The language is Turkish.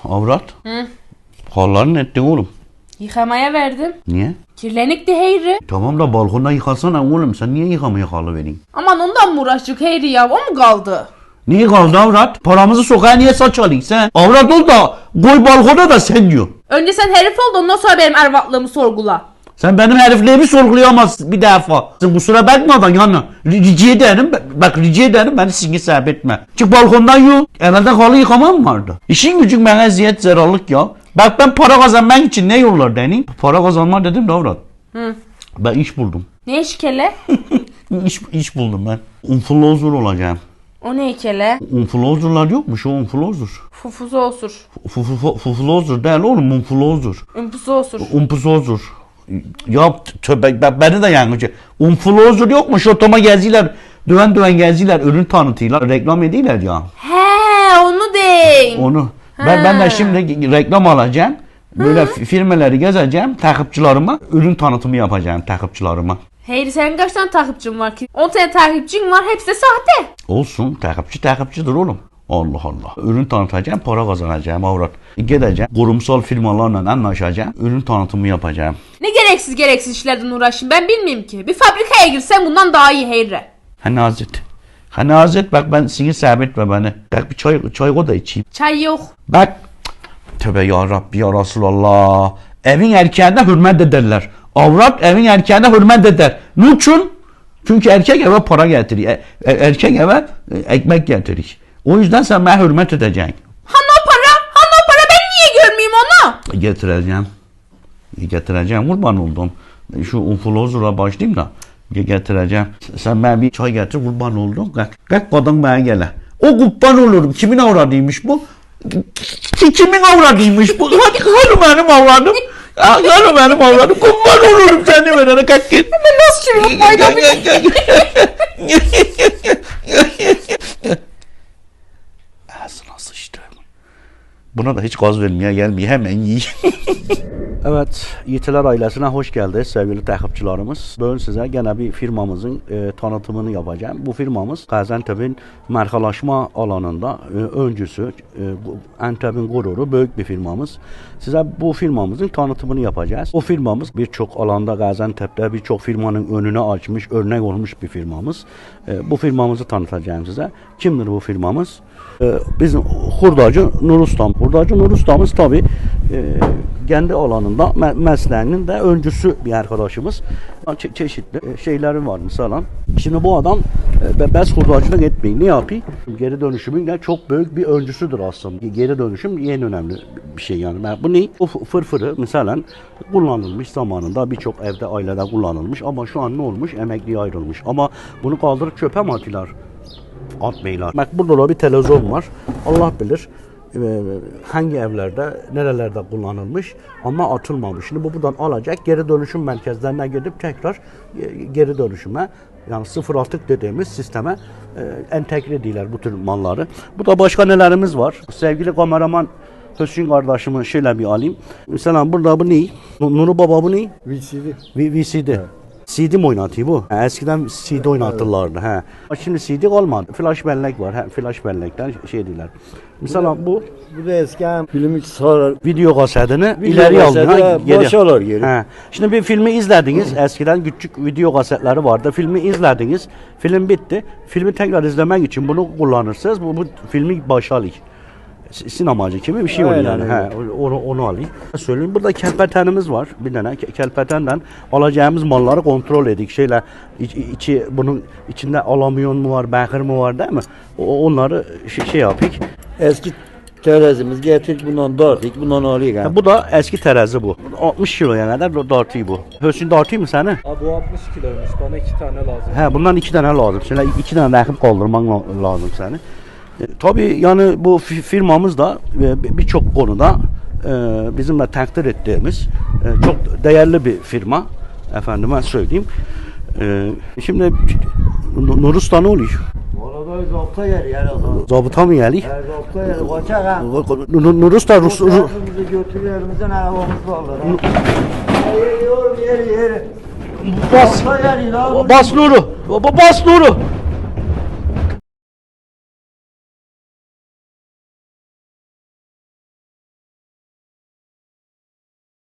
Avrat. Hı. Hallarını ettin oğlum. Yıkamaya verdim. Niye? Kirlenikti Heyri. Tamam da balkonda yıkasana oğlum. Sen niye yıkamaya halı verin? Aman ondan mı uğraştık Heyri ya? O mu kaldı? Niye kaldı avrat? Paramızı sokağa niye saçalıyın sen? Avrat ol da koy balkona da sen diyor. Önce sen herif ol da ondan sonra benim ervatlığımı sorgula. Sen benim herifliğimi sorgulayamazsın bir defa. Sen kusura bakmadan yani rica ederim. Bak rica ederim beni singe sebep etme. Çık balkondan yok. Evde halı yıkamam vardı. İşin gücün bana eziyet zararlık ya. Bak ben para kazanmak için ne yollar deneyim? Para kazanma dedim de avrat. Hı. Ben iş buldum. Ne işkele? İş buldum ben. Influencer olacağım. O ne ikele? Influencer'lar yokmuş o influencer. Fufuzu osur. Influencer değil oğlum influencer. Ümpuzu osur. Influencer. Ya tövbe beni de yangıcı. Influencer yokmuş otoma geziler. Düven geziler ürün tanıtıyorlar. Reklam ediyorlar ya. He onu deyin. Onu. Ben de şimdi reklam alacağım. Böyle firmaları gezeceğim. Takipçilerime ürün tanıtımı yapacağım takipçilerime. Heyri senin kaç tane takipçin var ki? 10 tane takipçin var hepsi de sahte. Olsun takipçidir oğlum. Allah Allah. Ürün tanıtacağım, para kazanacağım avrat. Gideceğim, kurumsal firmalarla anlaşacağım, ürün tanıtımı yapacağım. Ne gereksiz işlerden uğraşayım ben bilmiyorum ki. Bir fabrikaya girsen bundan daha iyi Heyri. Hani Hazret bak ben seni sabitme beni. Bak bir çay o da içeyim. Çay yok. Bak. Tövbe ya Rabbi ya Resulallah. Evin erkeğine hürmet ederler. Avrat evin erkeğine hürmet eder. Niçin? Çünkü erkek eve para getirir. Erkek eve ekmek getirir. O yüzden sen bana hürmet edeceksin. Hani o para ben niye görmeyeyim onu? Getireceğim kurban oldum. Şu influencer'a başlayayım da getireceğim. Sen bana bir çay getir kurban oldum. Kalk kadın bana gele. O kurban olurum. Kimin avradıymış bu? Kimin avradıymış bu? Hadi benim avradım. Hadi benim avradım. Kurban olurum seni verene kalk git. Ben nasıl çürüyorum fayda Ağzına sıçtım. Buna da hiç gaz vermeye gelmiyor. Hemen yiyin. Evet, Yiğitler ailesine hoş geldiniz sevgili takipçilerimiz. Bugün size gene bir firmamızın tanıtımını yapacağım. Bu firmamız Gaziantep'in markalaşma alanında öncüsü, Antep'in gururu, büyük bir firmamız. Size bu firmamızın tanıtımını yapacağız. Bu firmamız birçok alanda Gaziantep'te birçok firmanın önüne açmış, örnek olmuş bir firmamız. Bu firmamızı tanıtacağım size. Kimdir bu firmamız? Bizim hurdacı Nur Ustam. Hurdacı Nur Ustamız tabi kendi alanında mesleğinin de öncüsü bir arkadaşımız. Çeşitli şeyleri var mesela. Şimdi bu adam bez hurdacılık etmeyin. Ne yapayım? Geri dönüşümün de çok büyük bir öncüsüdür aslında. Geri dönüşüm en önemli bir şey yani. Bu ne? Bu fırfırı mesela kullanılmış zamanında birçok evde ailede kullanılmış ama şu an ne olmuş? Emekliye ayrılmış. Ama bunu kaldırıp çöpe mi atıyorlar? Atmayılar. Bak burada da bir televizyon var. Allah bilir hangi evlerde, nerelerde kullanılmış ama atılmamış. Şimdi bu buradan alacak, geri dönüşüm merkezlerine gidip tekrar geri dönüşüme yani sıfır atık dediğimiz sisteme entegre ediyorlar bu tür malları. Bu da başka nelerimiz var? Sevgili kameraman Hüsnü kardeşimin şöyle bir alayım. Mesela burada bu ne? Nuru Baba bu ne? VCD. Evet. CD mi oynatıyor bu? Eskiden CD oynatırlardı. Evet. Şimdi CD olmadı. Flash bellek var. Flash bellekten şey diyorlar. Mesela bu da eskiden filmi sarar. Video kasetini ileri alıyor. Başarılar geri. Şimdi bir filmi izlediniz. Eskiden küçük video kasetleri vardı. Filmi izlediniz. Film bitti. Filmi tekrar izlemek için bunu kullanırsınız. Bu filmi başarılı. Sinemacı gibi bir şey oluyor yani. Onu alayım. Söyleyeyim burada kelpetenimiz var. Bir tane kelpetenden alacağımız malları kontrol edik. Bunun içinde alamyon mu var, bakır mı var değil mi? Onları şey yapık. Eski terazimiz getirdik bundan dartık, bundan alıyık. Yani. Bu da eski terazi bu. 60 kiloya kadar dartıyor bu. Hüsnü dartıyor mu seni? Abi bu 60 kiloymuş. Bana 2 tane lazım. Bundan 2 tane lazım. Şimdi 2 tane takip kaldırman lazım seni. Tabii yani bu firmamız da birçok konuda bizimle takdir ettiğimiz çok değerli bir firma. Efendime söyleyeyim. Şimdi Nur Usta ne oluyor? Orada zabıta yeri yani. Zabıta mı geliyor? Zabıta yeri. Kaçak ha. Nur Usta Bizi götürüyor elimizden arabamız varlar. Yeri. Bas Nur'u. Bas Nur'u.